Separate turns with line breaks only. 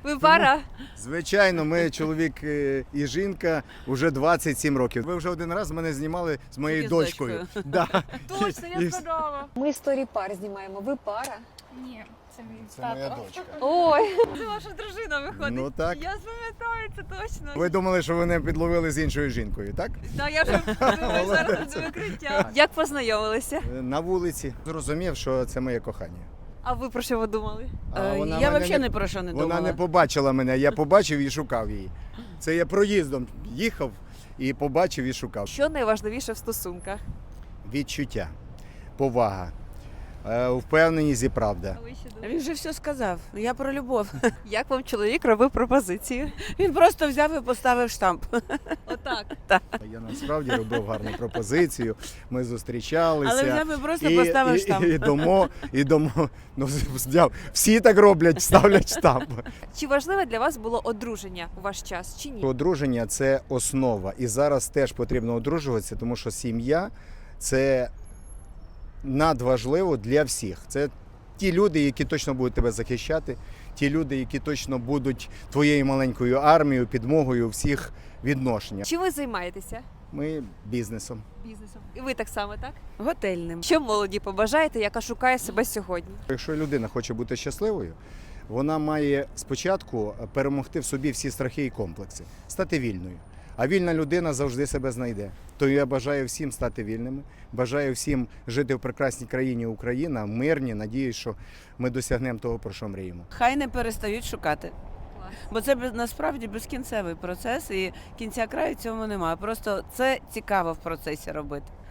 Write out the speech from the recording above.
Ви пара?
Звичайно, ми чоловік і жінка вже 27 років. Ви вже один раз мене знімали з моєю
Тільки з
дочкою. Да.
Точно,
І
я
вс-
згадала.
Ми історії пар знімаємо. Ви пара?
Ні, це мій
Це
тато.
моя дочка.
Ой,
Це ваша дружина виходить.
Ну так.
Я пам'ятаю, це точно.
Ви думали, що ви мене підловили з іншою жінкою, так?
Так, я вже думаю, зараз буде викриття. Як познайомилися?
На вулиці. Зрозумів, що це моє кохання.
А ви про що ви думали?
А вона
Я
мене
взагалі не про що не
Вона
думала.
не побачила мене, я побачив і шукав її. Це я проїздом їхав і побачив і шукав.
Що найважливіше в стосунках?
Відчуття, повага, впевненість і правда.
А ви що думаєте?
Він же все сказав. Я про любов.
Як вам чоловік робив пропозицію?
Він просто взяв і поставив штамп.
Отак.
Я насправді робив гарну пропозицію, ми зустрічалися.
Але взяв і просто поставив штамп.
І домо, ну, всі так роблять, ставлять штамп.
Чи важливе для вас було одруження у ваш час, чи ні?
Одруження – це основа. І зараз теж потрібно одружуватися, тому що сім'я – це надважливо для всіх. Це ті люди, які точно будуть тебе захищати, ті люди, які точно будуть твоєю маленькою армією, підмогою у всіх відношеннях.
Чи ви займаєтеся
Ми бізнесом.
бізнесом? І ви так само, так?
Готельним.
Що молоді побажаєте, яка шукає себе сьогодні?
Якщо людина хоче бути щасливою, вона має спочатку перемогти в собі всі страхи і комплекси, стати вільною. А вільна людина завжди себе знайде. То я бажаю всім стати вільними, бажаю всім жити в прекрасній країні Україна, мирні, надіюсь, що ми досягнемо того, про що мріємо.
Хай не перестають шукати. Бо це насправді безкінцевий процес і кінця краю цьому немає. Просто це цікаво в процесі робити.